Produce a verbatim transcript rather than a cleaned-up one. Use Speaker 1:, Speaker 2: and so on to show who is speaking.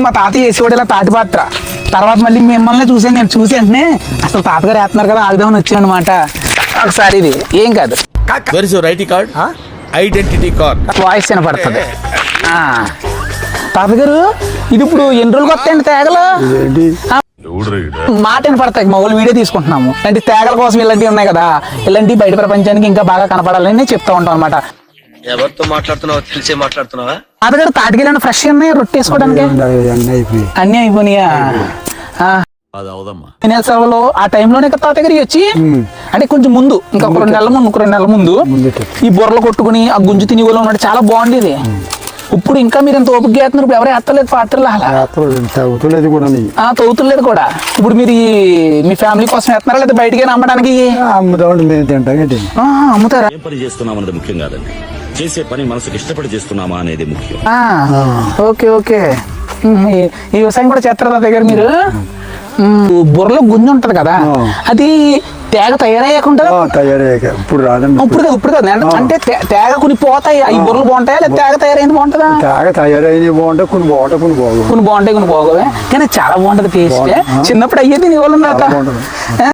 Speaker 1: మా తాతయ్య వేసేవాడు ఇలా తాటి పాత్ర. తర్వాత మళ్ళీ మిమ్మల్ని చూసాను, నేను చూసి వెంటనే అసలు తాతగారు వేస్తున్నారు కదా ఆగుదామని వచ్చాను అనమాట. ఒకసారి ఇది ఏం కాదు,
Speaker 2: identity card identity card
Speaker 1: voice వినపడుతుంది. తాతగారు ఇది ఇప్పుడు ఎన్ని రోజులు వస్తాయండి తేగలు? మాట వినపడతాయి. మా వాళ్ళు వీడియో తీసుకుంటున్నాము. ఇలాంటి తేగల కోసం ఇలాంటివి ఉన్నాయి కదా, ఇలాంటివి బయట ప్రపంచానికి ఇంకా బాగా కనపడాలని నేను చెప్తా ఉంటాం అనమాట.
Speaker 3: ఎవరితో మాట్లాడుతున్నావో తెలిసే మాట్లాడుతున్నావా?
Speaker 1: తాతగారు తాటికెళ్ళిన ఫ్రెష్ ఉన్నాయి రొట్టె వేసుకోవడానికి అన్ని అయిపోయినాయా? సెలవులు ఆ టైంలోనే కదా తాతగారి వచ్చి, అంటే కొంచెం ముందు ఇంకా ఒక రెండు నెలల ముందు ఒక రెండు నెలల ముందు ఈ బుర్రలు కొట్టుకుని ఆ గుంజు తిని వాళ్ళు ఉన్నట్టు చాలా బాగుండేది. ఇప్పుడు ఇంకా మీరు ఎంత ఓపిక చేస్తున్నారు, ఇప్పుడు ఎవరు ఎత్తలేదు పాత్రలు అలా తవ్వుతులేదు కూడా. ఇప్పుడు మీరు మీ ఫ్యామిలీ కోసం ఎత్తున్నారా లేదా బయటికి అమ్మడానికి? అమ్ముతారా?
Speaker 4: పని చేస్తున్నాం అనేది ముఖ్యం కాదండి, చేసే పని మనసుకు ఇష్టపడి చేస్తున్నామా అనేది ముఖ్యం.
Speaker 1: Okay okay. ఈ వ్యవసాయం కూడా చేస్తారా దగ్గర మీరు? బుర్రలో గుంజు ఉంటది కదా, అది తేగ తయారయ్యకుండా
Speaker 5: ఇప్పుడు రాదండి.
Speaker 1: ఇప్పుడు ఇప్పుడు కదా అంటే తేగ కొన్ని పోతాయి, ఈ బుర్రలు బాగుంటాయా లేదా తేగ తయారైంది బాగుంటుందా?
Speaker 5: తేగ తయారైంది బాగుంటాయి, కొన్ని బాగుంటాయి కొన్ని బాగు
Speaker 1: కొన్ని బాగుంటాయి కొన్ని బాగోవే, కానీ చాలా బాగుంటది టేస్ట్. చిన్నప్పుడు అయ్యేది నీ వాళ్ళు